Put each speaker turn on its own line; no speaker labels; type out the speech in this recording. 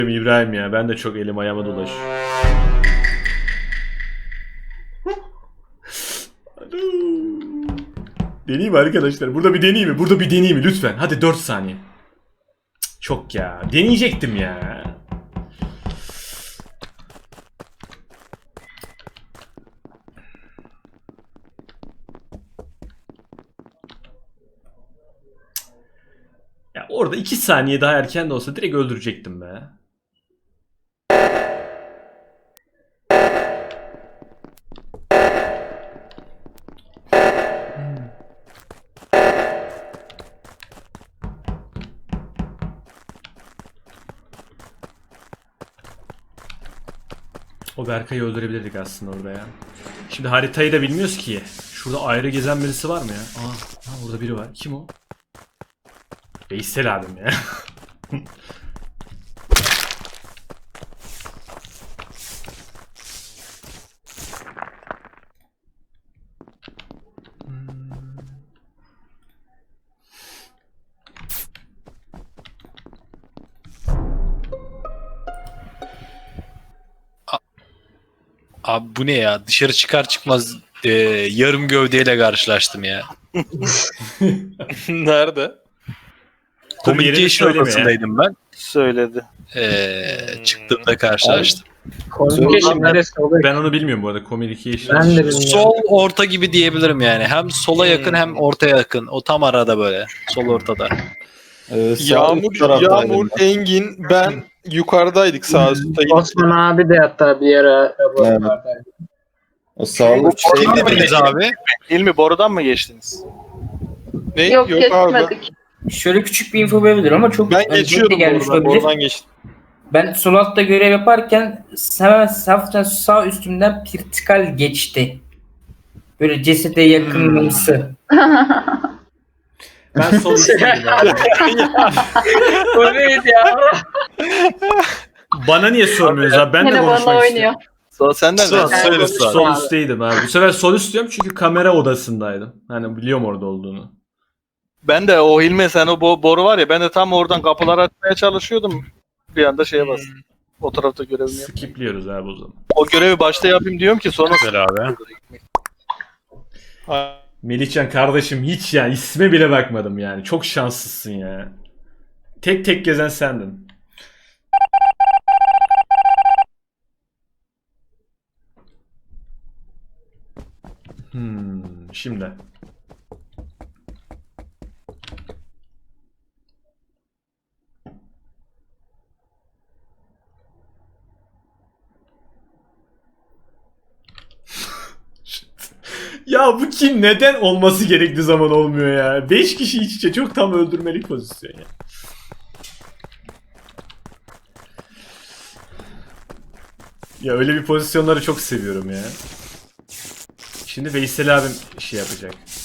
İbrahim ya, ben de çok elim ayağıma dolaşıyor. Deneyeyim mi arkadaşlar? Burada bir deneyeyim mi? Burada bir deneyeyim mi? Lütfen. Hadi 4 saniye. Çok ya. Deneyecektim ya. Ya orada 2 saniye daha erken de olsa direkt öldürecektim be. O Berkay'ı öldürebilirdik aslında orada ya. Şimdi haritayı da bilmiyoruz ki. Şurada ayrı gezen birisi var mı ya? Aa, orada biri var. Kim o? Veysel abim ya.
Abi bu ne ya? Dışarı çıkar çıkmaz yarım gövdeyle karşılaştım ya.
Nerede?
Communication
söyleme ya.
odasındaydım ben.
Söyledi.
Çıktığımda karşılaştım.
Communication neresi oluyor?
Ben onu bilmiyorum bu arada. Communication.
Ben de bilmiyorum.
Sol orta gibi diyebilirim yani. Hem sola yakın hem ortaya yakın. O tam arada böyle. Sol ortada.
Yağmur, Engin, ben yukarıdaydık sağ üstte.
Osman abi de hatta bir ara laboratuvardaydı.
O sağlık
Kim dediniz abi?
İlmi borudan mı geçtiniz? Ne?
Yok,
abi.
geçmedik.
Şöyle küçük bir info verebilirim ama çok
Ben geçiyordum
gelmiş
borudan.
olabilir.
Borudan geçtim.
Ben sol altta görev yaparken hemen hafiften sağ üstümden pirtikal geçti. Böyle cesede yakınımsı.
Ben sol üstteydim abi.
O neydi ya?
Bana niye sormuyoruz abi? Ben de
Yine bana
konuşmak
oynuyor.
istiyorum.
Sonra senden
Sonra
de.
söyle sonra.
Sol üstteydim abi. Bu sefer sol üst diyorum çünkü kamera odasındaydım. Hani biliyorum orada olduğunu.
Ben de o Hilmi sen o boru var ya ben de tam oradan kapıları açmaya çalışıyordum. Bir anda şeye bastım. O tarafta görevimi yap.
Skipliyoruz abi o zaman.
O görevi başta yapayım diyorum ki sonra
Güzel abi.
Melihcan kardeşim hiç ya isme bile bakmadım yani. Çok şanslısın ya. Tek tek gezen sendin. Şimdi. Ya bu kim neden olması gerektiği zaman olmuyor ya? 5 kişi iç içe çok tam öldürmelik pozisyon ya. Ya öyle bir pozisyonları çok seviyorum ya. Şimdi Veysel abim şey yapacak.